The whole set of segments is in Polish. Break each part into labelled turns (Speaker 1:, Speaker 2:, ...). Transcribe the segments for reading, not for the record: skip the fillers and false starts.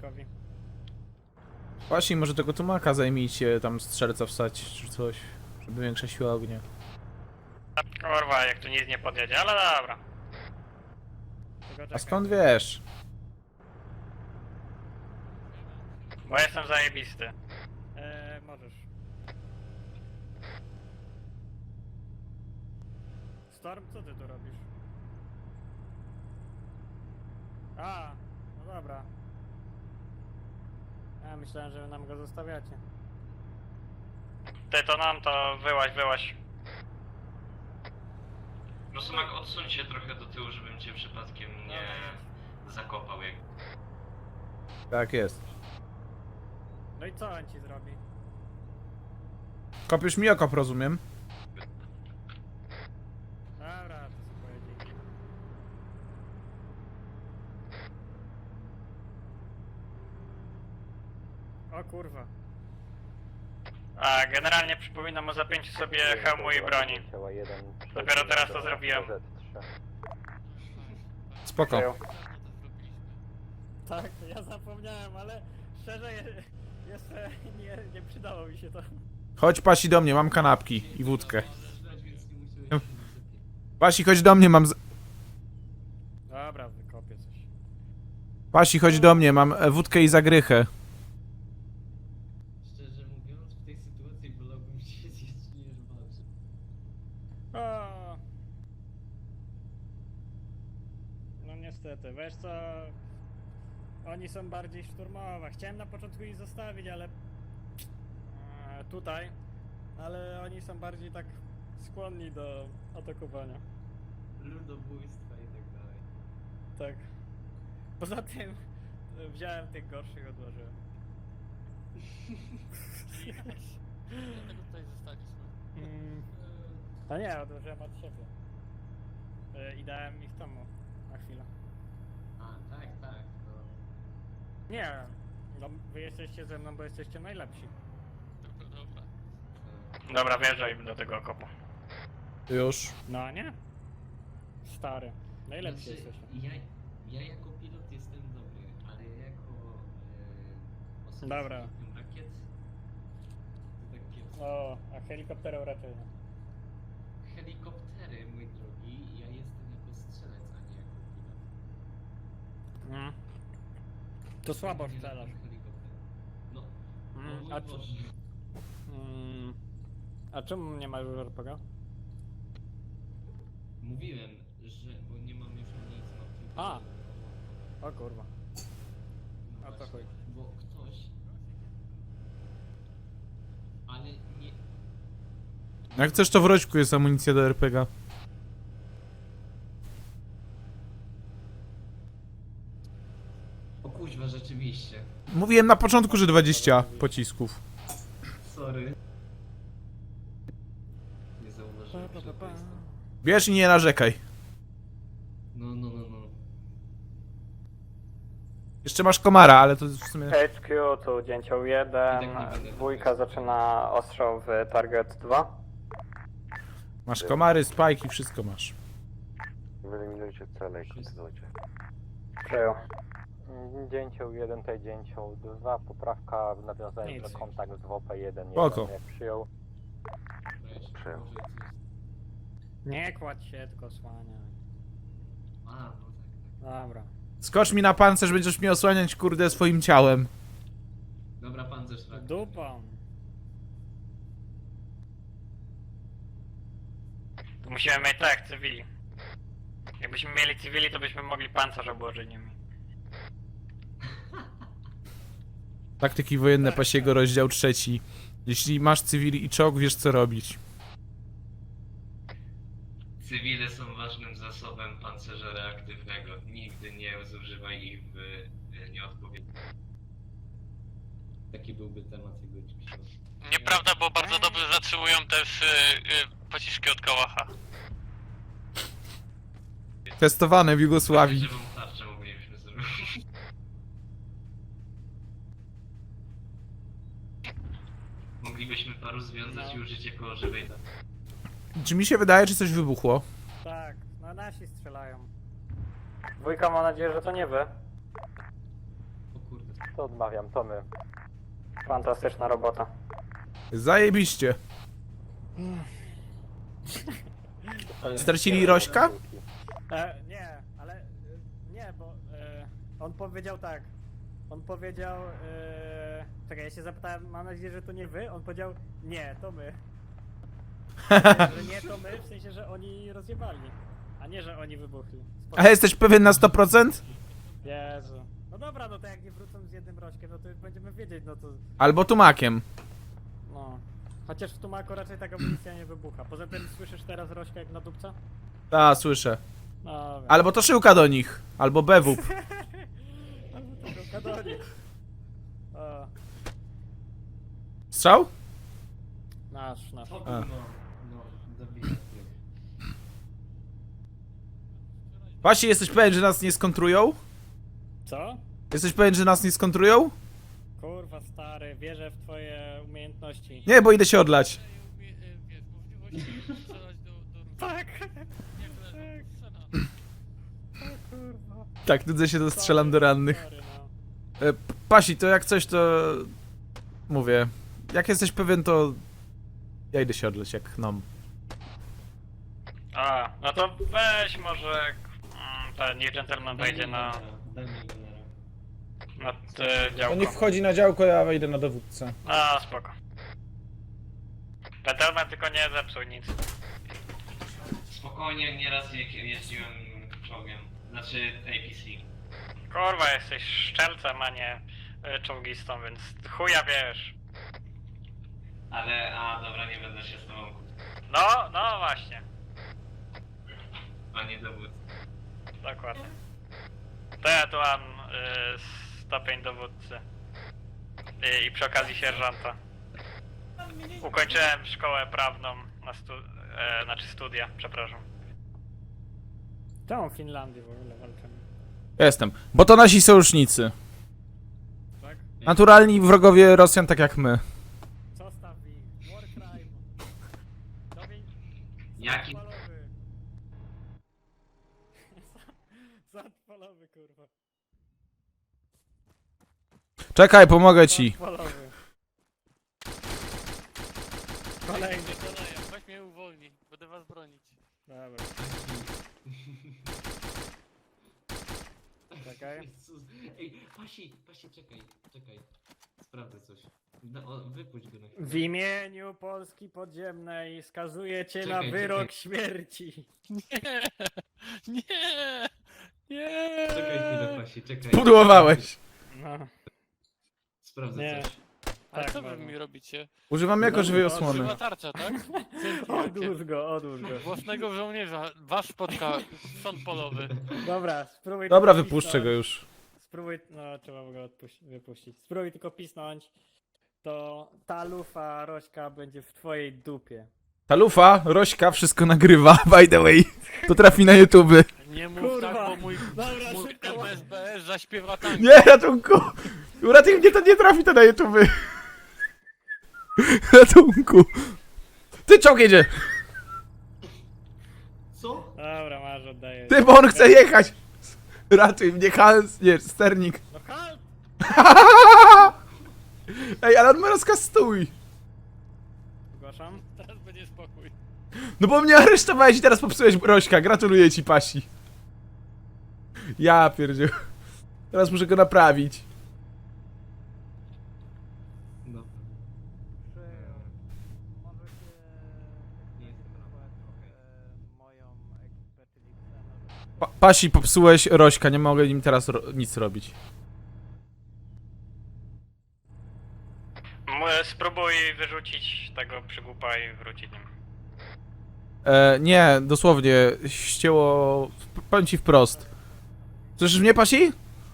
Speaker 1: Tomkowi.
Speaker 2: Właśnie, może tego tumaka zajmijcie, tam strzelca wsać czy coś, żeby większa siła ognia.
Speaker 3: Kurwa, jak tu nic nie podjedzie, ale dobra.
Speaker 1: Tylko
Speaker 2: A
Speaker 1: czekaj.
Speaker 2: skąd wiesz?
Speaker 3: Bo jestem zajebisty.
Speaker 1: Możesz. Storm, co ty tu robisz? A, no dobra. Ja myślałem, że wy nam go zostawiacie.
Speaker 3: Ty to nam to wyłaź.
Speaker 4: Rosumak, odsuń się trochę do tyłu, żebym cię przypadkiem nie zakopał. Jak...
Speaker 2: Tak jest.
Speaker 1: No i co on ci zrobi?
Speaker 2: Kopiesz mi okop, rozumiem?
Speaker 1: Dobra, to sobie pojedzie. O kurwa.
Speaker 3: A generalnie przypominam o zapięciu sobie hełmu i broni. Dopiero teraz to zrobiłem.
Speaker 2: Spoko.
Speaker 1: Tak, ja zapomniałem, ale szczerze jeszcze nie przydało mi się to.
Speaker 2: Chodź Pasi do mnie, mam kanapki i wódkę. Pasi, chodź do mnie, mam
Speaker 1: Dobra, wykopię coś.
Speaker 2: Pasi, chodź do mnie, mam wódkę i zagrychę.
Speaker 5: Szczerze mówiąc, w tej sytuacji wolałbym się zjeść niż walczyć.
Speaker 1: O. No niestety, wiesz co? Oni są bardziej szturmowa. Chciałem na początku ich zostawić, ale tutaj, ale oni są bardziej tak skłonni do atakowania.
Speaker 5: Ludobójstwa i tak dalej.
Speaker 1: Tak. Poza tym wziąłem tych gorszych, odłożyłem.
Speaker 6: Dlatego tutaj zostaliśmy.
Speaker 1: A nie, odłożyłem od siebie. I dałem ich temu na chwilę.
Speaker 5: A, tak, to...
Speaker 1: Nie, no wy jesteście ze mną, bo jesteście najlepsi.
Speaker 6: Dobra.
Speaker 3: Dobra, wjeżdżaj do tego okopu.
Speaker 2: Już.
Speaker 1: No nie? Stary. Najlepsi
Speaker 5: Znaczy,
Speaker 1: jesteście.
Speaker 5: ja jako pilot jestem dobry, ale jako osoba
Speaker 1: Dobra.
Speaker 5: z pilotem rakiet to tak kiepsko.
Speaker 1: O, a helikopterów raczej nie.
Speaker 5: Helikoptery, mój drogi, ja jestem jako strzelec, a nie jako pilot.
Speaker 1: To słabo
Speaker 5: Ja nie
Speaker 1: strzelasz.
Speaker 5: lubię helikopterów. No,
Speaker 1: Mm,
Speaker 5: no
Speaker 1: a,
Speaker 5: mój
Speaker 1: czy,
Speaker 5: Boże.
Speaker 1: a czemu nie ma już RPG?
Speaker 5: Mówiłem, że... bo nie mam już amunicji, mam tylko...
Speaker 1: A.
Speaker 5: No
Speaker 1: O kurwa. A to
Speaker 5: właśnie,
Speaker 1: chuj.
Speaker 5: bo ktoś... Ale nie...
Speaker 2: Jak chcesz, to w roćku jest amunicja do RPG.
Speaker 5: O kuźwa, rzeczywiście.
Speaker 2: Mówiłem na początku, że 20 pocisków.
Speaker 5: Sorry. Nie zauważyłem, że to jest to.
Speaker 2: Bierz i nie narzekaj.
Speaker 5: No.
Speaker 2: Jeszcze masz komara, ale to w sumie...
Speaker 3: HQ, tu dzięcioł 1,
Speaker 5: I tak nie będę
Speaker 3: dwójka
Speaker 5: tego
Speaker 3: zaczyna ostrzał w target 2.
Speaker 2: Masz komary, spajki, wszystko masz.
Speaker 7: Wyeliminujcie cele i kontynuujcie.
Speaker 3: Przyjął.
Speaker 7: Dzięcioł 1, tutaj dzięcioł 2, poprawka w nawiązaniu
Speaker 1: Nic.
Speaker 7: do kontakt z WP1,
Speaker 2: Spoko.
Speaker 7: jak przyjął. Przyjął.
Speaker 1: Nie kładź się, tylko słania.
Speaker 5: A, no tak.
Speaker 1: Dobra.
Speaker 2: Skocz mi na pancerz, będziesz mnie osłaniać, kurde, swoim ciałem.
Speaker 5: Dobra, pancerz rak.
Speaker 1: Dupą.
Speaker 3: Musimy mieć tak, cywili. Jakbyśmy mieli cywili, to byśmy mogli pancerz obłożyć nimi.
Speaker 2: Taktyki wojenne Pasiego, rozdział 3. Jeśli masz cywili i czołg, wiesz co robić.
Speaker 4: Cywile są ważnym zasobem pancerza reaktywnego. Nigdy nie zużywaj ich w nieodpowiedni.
Speaker 5: Taki byłby temat jego dzisiejszego.
Speaker 6: Nieprawda, bo bardzo dobrze zatrzymują też pociski od kałacha.
Speaker 2: Testowane w Jugosławii.
Speaker 4: Żywą tarczę moglibyśmy zrobić. Moglibyśmy paru związać i użyć jako żywej tarczy.
Speaker 2: Czy mi się wydaje, czy coś wybuchło?
Speaker 1: Tak, no nasi strzelają.
Speaker 3: Dwójka, mam nadzieję, że to nie wy.
Speaker 5: O kurde.
Speaker 7: To odmawiam, to my.
Speaker 3: Fantastyczna robota.
Speaker 2: Zajebiście. Stracili Rośka?
Speaker 1: Nie, ale nie, bo on powiedział tak. On powiedział. Czekaj, ja się zapytałem, mam nadzieję, że to nie wy. On powiedział, nie, to my. Że nie to my, w sensie, że oni rozjebali, a nie, że oni wybuchli. Spoko.
Speaker 2: A jesteś pewien na 100%?
Speaker 1: Jezu. No dobra, no to jak nie wrócą z jednym rośkiem, no to już będziemy wiedzieć, no to.
Speaker 2: Albo tumakiem.
Speaker 1: No. Chociaż w Tumaku raczej taka amunicja nie wybucha. Poza tym słyszysz teraz rośka jak na dupca?
Speaker 2: A, słyszę.
Speaker 1: No wiem.
Speaker 2: Albo to szyłka do nich. Albo bewup.
Speaker 1: Albo tego kadonik. O,
Speaker 2: Strzał?
Speaker 1: nasz.
Speaker 5: O,
Speaker 2: A.
Speaker 5: no, zabijam.
Speaker 2: Właśnie, jesteś pewien, że nas nie skontrują?
Speaker 1: Co?
Speaker 2: Jesteś pewien, że nas nie skontrują?
Speaker 1: Kurwa stary, wierzę w twoje umiejętności.
Speaker 2: Nie, bo idę się odlać.
Speaker 1: Tak!
Speaker 2: Tak, nudzę się, to strzelam do rannych.
Speaker 1: Sorry, no.
Speaker 2: Pasi, to jak coś, to... Mówię. Jak jesteś pewien, to... Ja idę się odleć, jak nom.
Speaker 3: A, no to weź może ten nie gentleman wejdzie na działko.
Speaker 2: wchodzi na działko, ja wejdę na dowódcę.
Speaker 3: A, spoko. Gentleman tylko nie zepsuł nic.
Speaker 4: Spokojnie, nieraz jeździłem czołgiem. Znaczy APC.
Speaker 3: Kurwa, jesteś szczelcem, a nie czołgistą, więc chuja wiesz.
Speaker 4: Ale, dobra, nie będę się z tobą.
Speaker 3: No właśnie,
Speaker 4: Panie dowódcy.
Speaker 3: dokładnie. To ja tu mam stopień dowódcy. I przy okazji sierżanta. Ukończyłem szkołę prawną na znaczy studia, przepraszam.
Speaker 1: Czemu w Finlandii w ogóle walczymy?
Speaker 2: Jestem. Bo to nasi sojusznicy.
Speaker 1: Tak?
Speaker 2: Naturalni wrogowie Rosjan, tak jak my.
Speaker 1: Zostaw ich. War crime. Dobień.
Speaker 4: Jaki?
Speaker 1: Sad polowy. Sad polowy, kurwa.
Speaker 2: Czekaj, pomogę ci.
Speaker 1: Sad polowy. Kolejny.
Speaker 6: Weź mnie uwolni, będę was bronić.
Speaker 1: Dobra. Czekaj.
Speaker 5: Jezus. Ej, Pasi, czekaj. Sprawdzę coś. No, wypuść go na chwilę.
Speaker 1: W imieniu Polski Podziemnej skazuję cię na
Speaker 5: Czekaj,
Speaker 1: wyrok
Speaker 5: czekaj.
Speaker 1: śmierci.
Speaker 6: Nie! Nie!
Speaker 5: Czekaj chwilę, Pasi, czekaj.
Speaker 2: Pudłowałeś.
Speaker 1: No,
Speaker 5: Sprawdzę
Speaker 1: nie.
Speaker 5: coś.
Speaker 6: Ale
Speaker 1: Tak,
Speaker 6: co wy
Speaker 1: można.
Speaker 6: mi robicie?
Speaker 2: Używam jako żywej
Speaker 1: No,
Speaker 2: osłony.
Speaker 6: Żywa tarcza, tak? Dzięki
Speaker 1: Odłóż
Speaker 6: wielkie.
Speaker 1: go, odłóż go.
Speaker 6: Własnego żołnierza, wasz spotka, sąd polowy.
Speaker 1: Dobra, spróbuj
Speaker 2: Dobra,
Speaker 1: tylko
Speaker 2: wypuszczę
Speaker 1: pisnąć.
Speaker 2: go już.
Speaker 1: Spróbuj, no trzeba go wypuścić. Spróbuj tylko pisnąć, to ta lufa Rośka będzie w twojej dupie.
Speaker 2: Ta lufa, Rośka, wszystko nagrywa, by the way. To trafi na YouTube.
Speaker 6: Nie mów
Speaker 1: Kurwa.
Speaker 6: tak, bo mój
Speaker 1: Dobra, szybko.
Speaker 6: SBS zaśpiewa tango.
Speaker 2: Nie, ratunku! Uratuj mnie, to nie trafi to na YouTube. Ratunku. Ty, czołg jedzie.
Speaker 5: Co?
Speaker 1: Dobra, masz, oddaję.
Speaker 2: Ty, bo on chce jechać. Ratuj mnie, Hans, nie, sternik.
Speaker 1: No halt!
Speaker 2: Ej, ale on ma rozkaz stój.
Speaker 1: Zgłaszam.
Speaker 6: Teraz będzie spokój.
Speaker 2: No bo mnie aresztowałeś i teraz popsułeś Rośka. Gratuluję ci, Pasi. Ja pierdziu. Teraz muszę go naprawić.
Speaker 5: No.
Speaker 1: Możecie
Speaker 5: Nie jestem
Speaker 1: moją ekipę, czyli
Speaker 2: Pasi, popsułeś Rośka, nie mogę nim teraz nic robić.
Speaker 3: Spróbuj wyrzucić tego przygłupa i wrócić nim.
Speaker 2: Nie, dosłownie, ścięło... Powiem ci wprost. Słyszysz mnie, Pasi?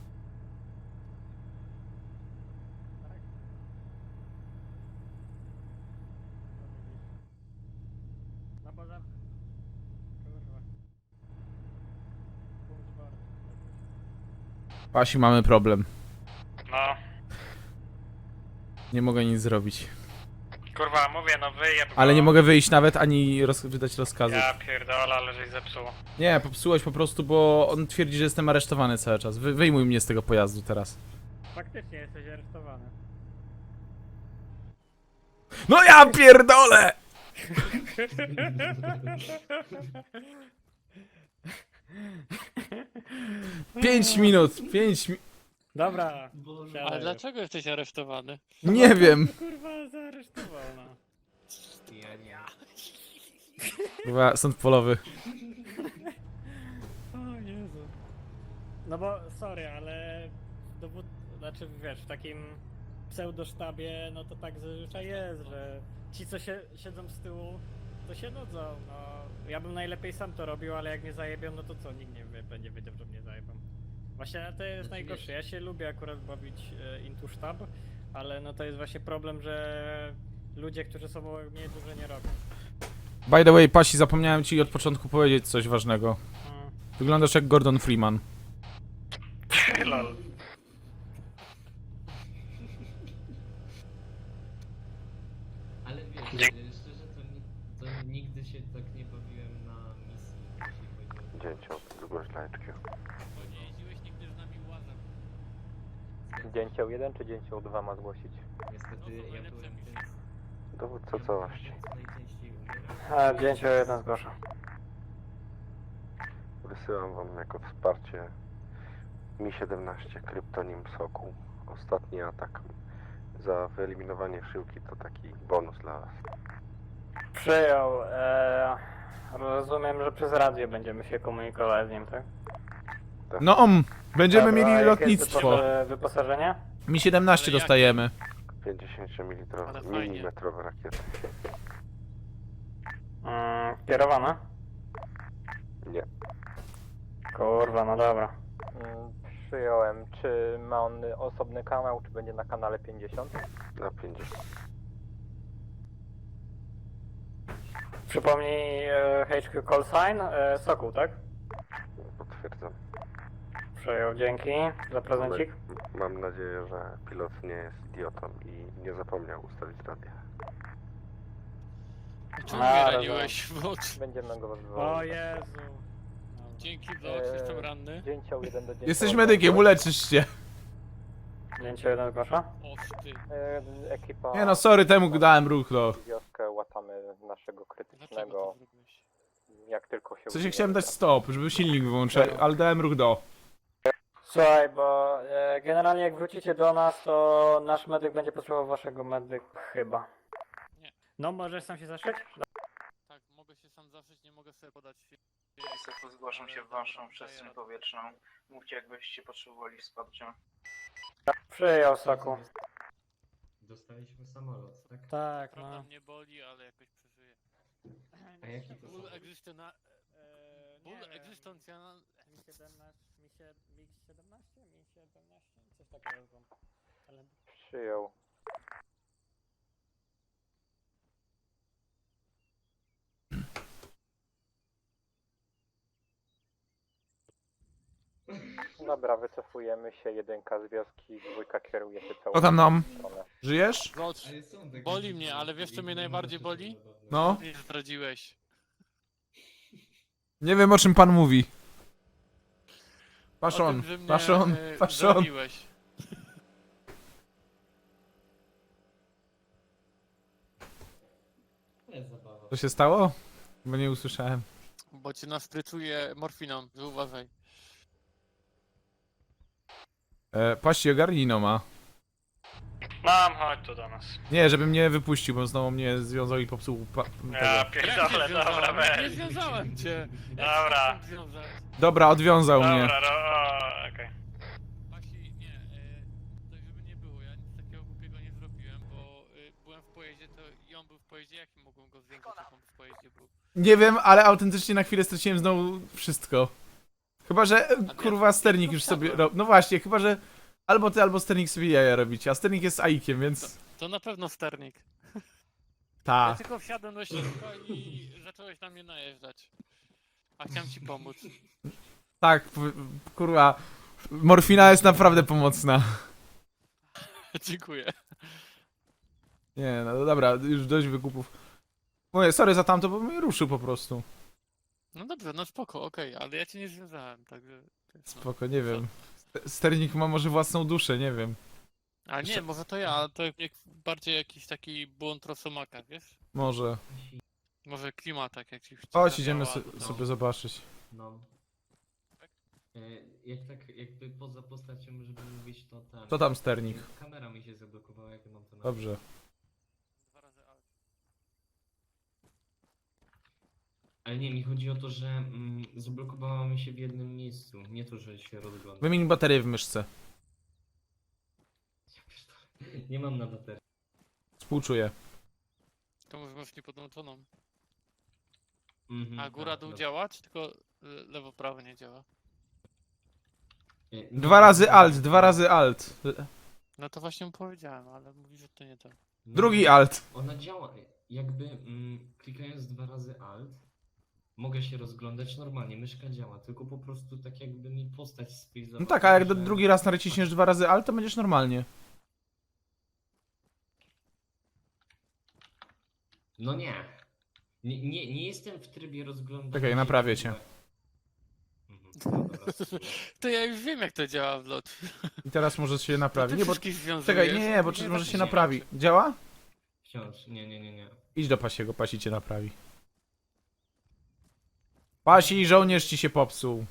Speaker 1: No bo za... Kurwa. Punkt board.
Speaker 2: Pasi, mamy problem.
Speaker 3: No,
Speaker 2: Nie mogę nic zrobić.
Speaker 3: kurwa, mówię, no wyjeb go.
Speaker 2: Ale nie mogę wyjść nawet, ani wydać rozkazu.
Speaker 3: Ja pierdolę, ale żeś zepsuł.
Speaker 2: Nie, popsułeś po prostu, bo on twierdzi, że jestem aresztowany cały czas. Wyjmuj mnie z tego pojazdu teraz.
Speaker 1: Faktycznie jesteś aresztowany.
Speaker 2: No ja pierdolę! 5 minut.
Speaker 1: Dobra,
Speaker 5: Boże,
Speaker 1: siadaj
Speaker 6: Ale
Speaker 1: już.
Speaker 6: dlaczego jesteś aresztowany?
Speaker 2: Nie wiem.
Speaker 1: Kurwa, zaaresztował, no.
Speaker 5: ja nie.
Speaker 2: Kurwa, sąd polowy.
Speaker 1: O Jezu. No bo, sorry, ale dowód, znaczy wiesz, w takim pseudosztabie, no to tak zazwyczaj jest, że ci co siedzą z tyłu, to się nudzą, no. Ja bym najlepiej sam to robił, ale jak mnie zajebią, no to co, nikt nie będzie wiedział, że mnie zajebią. Właśnie to jest
Speaker 5: Znaczy,
Speaker 1: najgorsze,
Speaker 5: wiesz-
Speaker 1: ja się lubię akurat bawić into sztab, ale no to jest właśnie problem, że ludzie, którzy są obok mnie, dużo nie robią.
Speaker 2: By the way, Pasi, zapomniałem ci od początku powiedzieć coś ważnego.
Speaker 1: Mm.
Speaker 2: Wyglądasz jak Gordon Freeman.
Speaker 3: Lol.
Speaker 5: Ale wiesz,
Speaker 3: Dzięki.
Speaker 5: szczerze to nigdy się tak nie bawiłem na misji, jeśli chodzi o...
Speaker 7: Dzięcioł, zgłoś dla HQ.
Speaker 6: Bo nie jeździłeś nigdy z nami łazem.
Speaker 7: Dzięcioł 1 czy dzięcioł 2 ma zgłosić?
Speaker 5: Niestety
Speaker 6: No to
Speaker 5: ja
Speaker 6: najlepsze
Speaker 5: byłem
Speaker 6: misje.
Speaker 5: ten...
Speaker 7: Dowódca całości.
Speaker 5: najczęściej umierał.
Speaker 1: Dzięcioł 1 zgłaszam.
Speaker 7: Wysyłam wam jako wsparcie Mi-17, kryptonim Sokół. Ostatni atak. Za wyeliminowanie szyłki to taki bonus dla was.
Speaker 1: Przyjął. Rozumiem, że przez radio będziemy się komunikować z nim, tak?
Speaker 2: No, będziemy
Speaker 1: Dobra, a
Speaker 2: mieli
Speaker 1: jakie jest
Speaker 2: lotnictwo.
Speaker 1: wyposażenie?
Speaker 2: Mi 17
Speaker 6: Ale
Speaker 2: dostajemy.
Speaker 7: 50
Speaker 6: Ale fajnie.
Speaker 7: milimetrowe rakiety.
Speaker 1: Kierowane?
Speaker 7: Nie.
Speaker 1: Kurwa, no dobra.
Speaker 7: Przyjąłem. Czy ma on osobny kanał, czy będzie na kanale 50? Na 50.
Speaker 1: Przypomnij HQ call sign, Sokół, tak?
Speaker 7: Potwierdzam.
Speaker 1: Przyjął, dzięki za prezencik.
Speaker 7: Mam nadzieję, że pilot nie jest idiotą i nie zapomniał ustawić radia.
Speaker 6: Czemu
Speaker 1: A,
Speaker 6: mnie
Speaker 1: rozumiem.
Speaker 6: raniłeś? Bo...
Speaker 7: Będziemy go
Speaker 1: O
Speaker 7: wzywali.
Speaker 1: Jezu.
Speaker 6: Dzięki za jestem ranny.
Speaker 7: Dzięcioł 1 do dzięcioł
Speaker 2: Jesteś
Speaker 7: 2.
Speaker 2: medykiem, uleczysz się.
Speaker 1: Dzięcioł 1 zgłasza?
Speaker 6: O ty.
Speaker 7: Ekipa...
Speaker 2: Nie no, sorry, temu dałem ruch, no.
Speaker 7: Wioskę łatamy naszego
Speaker 6: Dlaczego to
Speaker 7: krytycznego,
Speaker 6: zrobiłeś?
Speaker 7: jak tylko się
Speaker 2: W sensie
Speaker 7: uda.
Speaker 2: chciałem dać stop, żeby silnik wyłączyć, ale dałem ruch do.
Speaker 1: Słuchaj, bo generalnie jak wrócicie do nas, to nasz medyk będzie potrzebował waszego medyk chyba.
Speaker 6: Nie.
Speaker 1: No, możesz sam się zaszyć?
Speaker 6: Tak, mogę się sam zaszyć, nie mogę sobie podać...
Speaker 3: Niestety zgłaszam się w waszą przestrzeń powietrzną. Mówcie, jakbyście potrzebowali wsparcia.
Speaker 1: Przyjął, Soku.
Speaker 5: Dostaliśmy samolot, tak?
Speaker 1: Tak,
Speaker 6: Prawda
Speaker 1: no.
Speaker 6: mnie boli, ale jakoś przeżyję.
Speaker 5: A jaki to
Speaker 6: Ból
Speaker 5: samolot?
Speaker 6: egzystencjonalny... Ból egzystencjonalny...
Speaker 1: MiG-17? Coś takiego znam. Ale...
Speaker 7: Przyjął. Dobra, wycofujemy się, 1 z wioski, 2 kieruje się całą
Speaker 2: Co tam nam?
Speaker 7: stronę.
Speaker 2: Żyjesz?
Speaker 6: Zobacz,
Speaker 5: Ale są takie
Speaker 6: boli
Speaker 5: rzeczy,
Speaker 6: mnie, ale wiesz co mnie najbardziej boli?
Speaker 2: No.
Speaker 6: Nie zdradziłeś.
Speaker 2: Nie wiem o czym pan mówi.
Speaker 6: O
Speaker 2: Paszon,
Speaker 6: tym, że mnie,
Speaker 2: paszon, paszon.
Speaker 6: zdradziłeś.
Speaker 5: Ale zabawa.
Speaker 2: Co się stało? Bo nie usłyszałem.
Speaker 6: Bo cię nastrycuje morfiną, zauważaj.
Speaker 2: Pasi, ogarnij no ma.
Speaker 3: Mam, chodź tu do nas.
Speaker 2: Nie, żeby mnie wypuścił, bo znowu mnie związał i popsuł
Speaker 3: Ja
Speaker 2: tego.
Speaker 3: pierdolę, dobra,
Speaker 6: Nie
Speaker 3: weź.
Speaker 6: związałem cię!
Speaker 3: Dobra.
Speaker 6: Jak związać?
Speaker 2: Dobra, odwiązał mnie.
Speaker 3: Dobra, okej.
Speaker 6: Pasi, nie, tak żeby nie było, ja nic takiego głupiego nie zrobiłem, bo byłem w pojeździe, to i on był w pojeździe, jak mogłem go zwiększyć, jak on w pojeździe był?
Speaker 2: Nie wiem, ale autentycznie na chwilę straciłem znowu wszystko. Chyba, że kurwa sternik już sobie no właśnie, chyba, że albo ty, albo sternik sobie jaja robicie, a sternik jest aikiem, więc...
Speaker 6: To na pewno sternik. Ja
Speaker 2: Ta.
Speaker 6: tylko wsiadłem do środka i zacząłeś na mnie najeżdżać. A chciałem ci pomóc.
Speaker 2: Tak, kurwa. Morfina jest naprawdę pomocna.
Speaker 6: Dziękuję.
Speaker 2: Nie, no dobra, już dość wykupów. Mówię, sorry za tamto, bo mnie ruszył po prostu.
Speaker 6: No dobrze, no spoko, okej, ale ja cię nie związałem, także... to jest, no.
Speaker 2: Spoko, nie wiem. Sternik ma może własną duszę, nie wiem.
Speaker 6: A nie, może to ja, to bardziej jakiś taki błąd Rosomaka, wiesz?
Speaker 2: Może.
Speaker 6: Może klimatak jakiś.
Speaker 2: Chodź, idziemy
Speaker 6: zadziała.
Speaker 2: sobie zobaczyć.
Speaker 5: No. Jak tak jakby poza postacią, żeby mówić, to ten...
Speaker 2: Co tam sternik?
Speaker 5: Kamera mi się zablokowała, jak mam to na...
Speaker 2: Dobrze.
Speaker 6: 2 razy alt.
Speaker 5: Ale nie, mi chodzi o to, że zablokowała mi się w jednym miejscu. Nie to, że się rozgląda.
Speaker 2: Wymień baterię w myszce.
Speaker 5: Ja pierdolę. Nie mam na baterii.
Speaker 2: Współczuję.
Speaker 6: To może masz niepodłączoną.
Speaker 5: Mhm,
Speaker 6: A góra
Speaker 5: tak,
Speaker 6: dół
Speaker 5: dobra.
Speaker 6: działa, czy tylko lewo prawo nie działa?
Speaker 5: Nie,
Speaker 2: 2 razy alt, 2 razy alt.
Speaker 6: No to właśnie mu powiedziałem, ale mówi, że to nie to.
Speaker 2: Drugi alt.
Speaker 5: Ona działa, jakby klikając 2 razy alt, mogę się rozglądać normalnie, myszka działa, tylko po prostu tak jakby mi postać sfrizowała.
Speaker 2: No tak, a jak
Speaker 5: że-
Speaker 2: drugi raz naciśniesz 2 razy alt, to będziesz normalnie.
Speaker 5: No nie. Nie jestem w trybie rozglądania.
Speaker 2: Czekaj,
Speaker 5: się
Speaker 2: naprawię
Speaker 5: w
Speaker 2: cię.
Speaker 5: ogóle. No dobra, spróbuję.
Speaker 6: To ja już wiem jak to działa w lot.
Speaker 2: I teraz może się naprawi.
Speaker 6: Ty
Speaker 2: Nie, bo...
Speaker 6: wszystkich związujesz.
Speaker 2: Czekaj, nie, bo
Speaker 6: Nie,
Speaker 2: może
Speaker 6: tak
Speaker 2: się
Speaker 6: nie
Speaker 2: naprawi.
Speaker 6: wiem.
Speaker 2: Działa?
Speaker 5: Wciąż, nie.
Speaker 2: Idź do Pasiego, Pasi cię naprawi. Pasi, żołnierz ci się popsuł.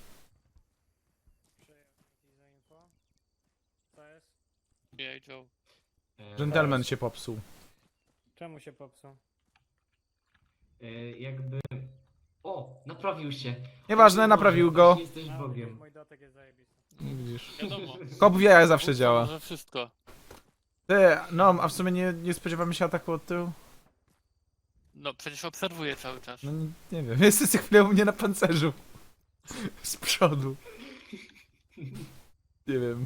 Speaker 1: Co jest?
Speaker 6: Jej, Joe.
Speaker 2: Gentleman się popsuł.
Speaker 1: Czemu się popsuł?
Speaker 5: Jakby... O, naprawił się.
Speaker 2: Nieważne, naprawił go.
Speaker 5: Jesteś
Speaker 1: No,
Speaker 5: Bogiem.
Speaker 1: mój dotek jest zajebisty.
Speaker 2: Widzisz.
Speaker 6: Wiadomo.
Speaker 2: Kop w jajach zawsze
Speaker 6: Bóg
Speaker 2: działa.
Speaker 6: Może wszystko.
Speaker 2: Ty, no, a w sumie nie spodziewamy się ataku od tyłu?
Speaker 6: No przecież obserwuję cały czas.
Speaker 2: No nie wiem, jesteś co chwilę u mnie na pancerzu. Z przodu. Nie wiem.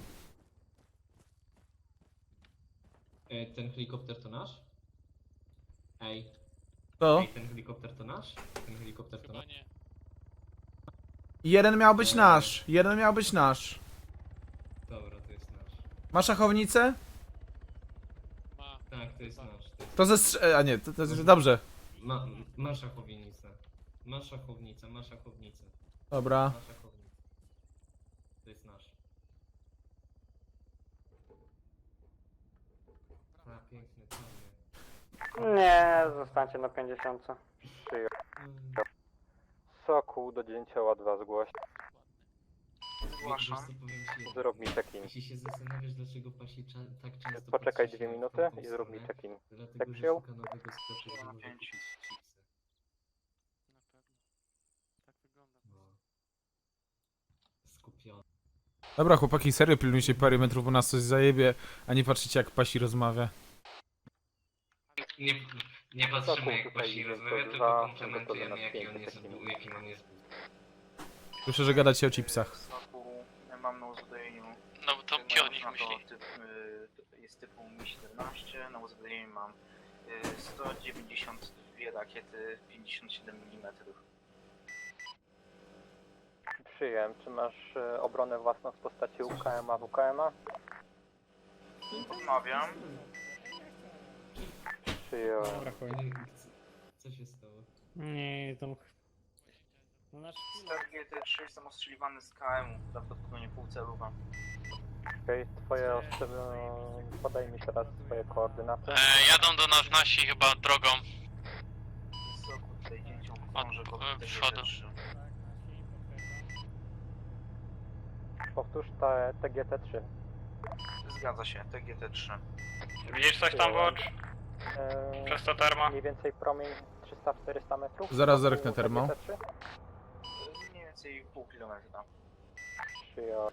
Speaker 5: Ten helikopter to nasz? Ej,
Speaker 2: To?
Speaker 5: ten helikopter to nasz? Ten helikopter to
Speaker 6: Chyba
Speaker 5: nasz?
Speaker 6: nie.
Speaker 2: Jeden miał być nasz. Jeden miał być nasz.
Speaker 5: Dobra, to jest nasz.
Speaker 2: Ma szachownicę?
Speaker 6: Ma.
Speaker 5: Tak, to jest nasz.
Speaker 2: To a nie, to jest dobrze.
Speaker 5: Ma szachownicę. Ma szachownicę.
Speaker 2: Dobra.
Speaker 5: Ma szachownicę. To jest nasz. A, piękny, czarny.
Speaker 1: Nie, zostańcie na 50.
Speaker 7: Przyjął. Sokół do dzięcioła 2 zgłoś.
Speaker 5: Wiesz, co powiem ci?
Speaker 7: Zrób mi check-in.
Speaker 5: Jeśli się zastanawiasz, dlaczego Pasi tak często
Speaker 7: Poczekaj
Speaker 5: patrzy
Speaker 7: 2
Speaker 5: się w
Speaker 7: minuty
Speaker 5: tamtą
Speaker 7: i zrób mi
Speaker 5: stronę,
Speaker 7: check-in.
Speaker 5: Dlatego,
Speaker 7: Tak
Speaker 5: że
Speaker 7: przyjął?
Speaker 5: szuka nowego sklepu, gdzie może kupić chipsy.
Speaker 6: Na pewno. Tak wygląda.
Speaker 5: No. Skupiony.
Speaker 2: Dobra, chłopaki, serio pilnujcie parę metrów, bo nas coś zajebie, a nie patrzycie jak Pasi rozmawia.
Speaker 4: Nie patrzymy
Speaker 7: Sokół
Speaker 4: jak
Speaker 7: tutaj
Speaker 4: Pasi
Speaker 7: jest
Speaker 4: rozmawia,
Speaker 7: to
Speaker 4: tylko
Speaker 7: dwa,
Speaker 4: komplementujemy
Speaker 7: to
Speaker 4: jaki
Speaker 7: na
Speaker 4: on jest
Speaker 7: piękny
Speaker 4: jakim on jest.
Speaker 2: Słyszę, że gadacie o chipsach.
Speaker 8: Sokół mam na uzbrojeniu.
Speaker 6: No bo to pionik
Speaker 8: Można
Speaker 6: myśli.
Speaker 8: to jest typu Mi-17, na uzbrojeniu mam 192 rakiety 57 mm.
Speaker 7: Przyjem. Czy masz obronę własną w postaci UKM-a, WKM-a?
Speaker 8: Odmawiam.
Speaker 7: Przyjąłem.
Speaker 1: Dobra, chuj.
Speaker 5: Co się stało?
Speaker 1: Nie, tam... No nasz
Speaker 8: GT3 jestem ostrzeliwany z KM-u, prawdopodobnie pół celuwa.
Speaker 7: Okej, twoje podaj mi teraz swoje koordynaty.
Speaker 6: Jadą do nas nasi chyba drogą.
Speaker 8: Sokół tutaj dzięcią krąży go
Speaker 6: przodu.
Speaker 8: GT3.
Speaker 7: Powtórz TGT-3.
Speaker 8: Zgadza się, TGT3.
Speaker 3: Widzisz coś tam, Watch? Przez to termo?
Speaker 7: Mniej więcej promień 300-400 metrów.
Speaker 2: Zaraz
Speaker 7: wokół
Speaker 2: zerknę termo.
Speaker 7: TGT-3.
Speaker 8: Mniej więcej pół kilometra.
Speaker 7: Przyjąłem.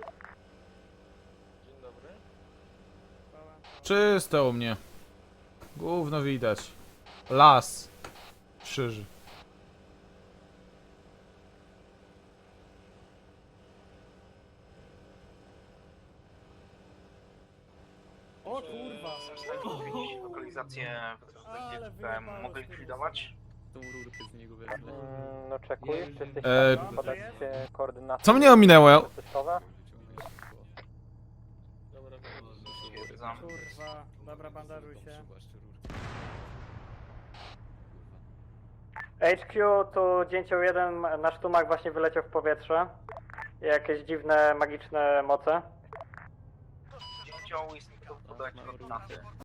Speaker 2: Czysto u mnie. Gówno widać. Las. Krzyż.
Speaker 1: O kurwa!
Speaker 8: Lokalizację
Speaker 1: Ale
Speaker 8: KM mogę likwidować?
Speaker 7: No czekuję, czy jesteś
Speaker 2: E,
Speaker 7: w stanie podać koordynaty
Speaker 2: Co mnie ominęło?
Speaker 7: testowe?
Speaker 8: Stwierdzam.
Speaker 1: Kurwa, dobra, bandażuj się. HQ, tu dzięcioł 1, nasz tumak właśnie wyleciał w powietrze. Jakieś dziwne, magiczne moce.
Speaker 8: oddziału jest mi to podać koordynaty.